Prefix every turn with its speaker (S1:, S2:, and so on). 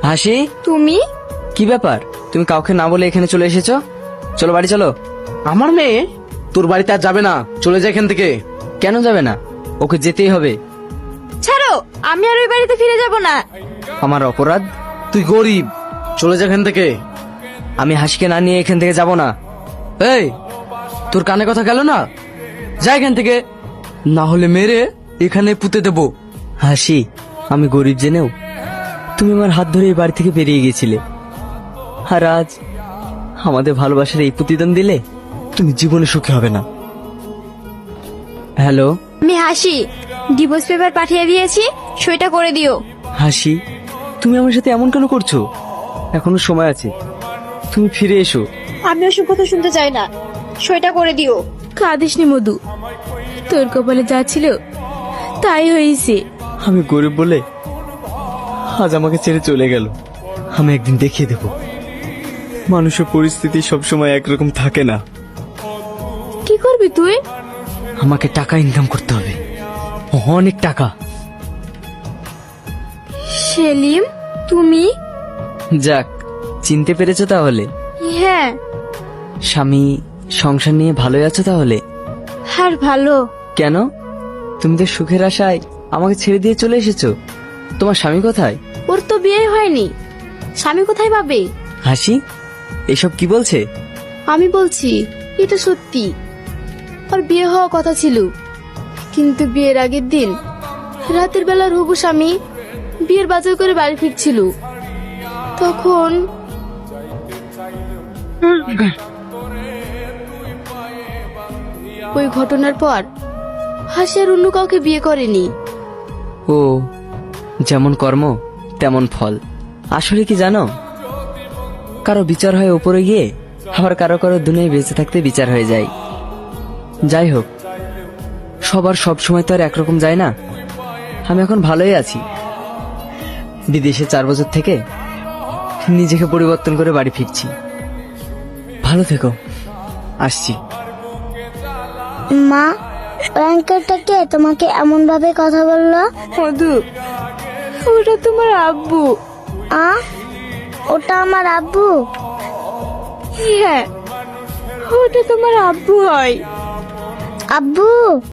S1: হাসি,
S2: তুমি?
S1: কি ব্যাপার? তুমি কাউকে না বলে এখানে চলে এসেছো? চলো বাড়ি চলো।
S3: আমার মেয়ে তোর বাড়িতে আর যাবে না, চলে যায় এখান থেকে।
S1: কেন যাবে না? ওকে যেতেই হবে।
S2: ছাড়ো, আমি আর ওই বাড়িতে ফিরে যাব না।
S1: আমার অপরাধ?
S3: তুই গরিব, চলে যা এখান থেকে।
S1: আমি হাসিকে না নিয়ে এখান থেকে যাব না।
S3: এই, তোর কানে কথা গেল না? যা এখান থেকে, না হলে মেরে এখানে পুঁতে দেবো।
S1: হাসি, আমি গরিব জেনেও তুমি আমার হাত ধরে এই বাড়ি থেকে বেরিয়ে গেছিলে, আর আজ আমাদের ভালোবাসার এই প্রতিদান দিলে তুমি জীবনে সুখী হবে না। হ্যালো
S2: আমি হাসি, ডিভোর্স পেপার পাঠিয়ে দিয়েছি, সইটা করে দিও।
S1: হাসি, তুমি আমার সাথে এমন কেন করছো? এখনো সময় আছে, তুমি ফিরে এসো।
S2: আমি ওসব কথা শুনতে চাই না, সইটা করে দিও। কাঁদিসনি মধু, তোর কপালে যা ছিল তাই হয়েছে।
S1: আমি গরিব বলে আজ আমাকে ছেড়ে চলে গেল। আমি একদিন দেখিয়ে দেব মানুষের পরিস্থিতি সবসময় একরকম থাকে না।
S2: কি করবি তুই?
S1: আমাকে টাকা ইনকাম করতে হবে, অনেক টাকা।
S2: সেলিম, তুমি?
S1: যাক, চিনতে পেরেছো তাহলে?
S2: হ্যাঁ।
S1: স্বামী, সংসার নিয়ে ভালোই আছো তাহলে?
S2: আর ভালো।
S1: কেন? তুমি তো সুখের আশায় আমাকে ছেড়ে দিয়ে চলে এসেছো। তোমার স্বামী কোথায়?
S2: ওর তো বিয়ে হয়নি, স্বামী কোথায় পাবে?
S1: হাসি, এসব কি বলছে?
S2: আমি বলছি এটা সত্যি। ওর বিয়ে হওয়ার কথা ছিল, কিন্তু বিয়ের আগের দিন রাতের বেলা হবু স্বামী বিয়ের বাজার করে বাড়ি ফিরছিল, তখন ওই ঘটনার পর হাসি আর অন্য কাউকে বিয়ে করেনি।
S1: ও, যেমন কর্ম তেমন ফল। আসলে কি জানো, কারো বিচার হয় উপরে গিয়ে, আবার কারো কারো দুনিয়ায় বেঁচে থাকতে বিচার হয়ে যায়। যাই হোক, সবার সব সময় তো আর একরকম যায় না। আমি এখন ভালোই আছি। বিদেশে 4 বছর থেকে নিজেকে পরিবর্তন করে বাড়ি ফিরছি। ভালো থেকো, আসছি।
S4: মা, ওই আঙ্কেলটা কে তোমাকে এমন ভাবে কথা বললো?
S2: মধু, ওটা তোমার আব্বু।
S4: ওটা আমার আব্বু?
S2: হ্যাঁ, ওটা তোমার আব্বু হয়।
S4: আব্বু?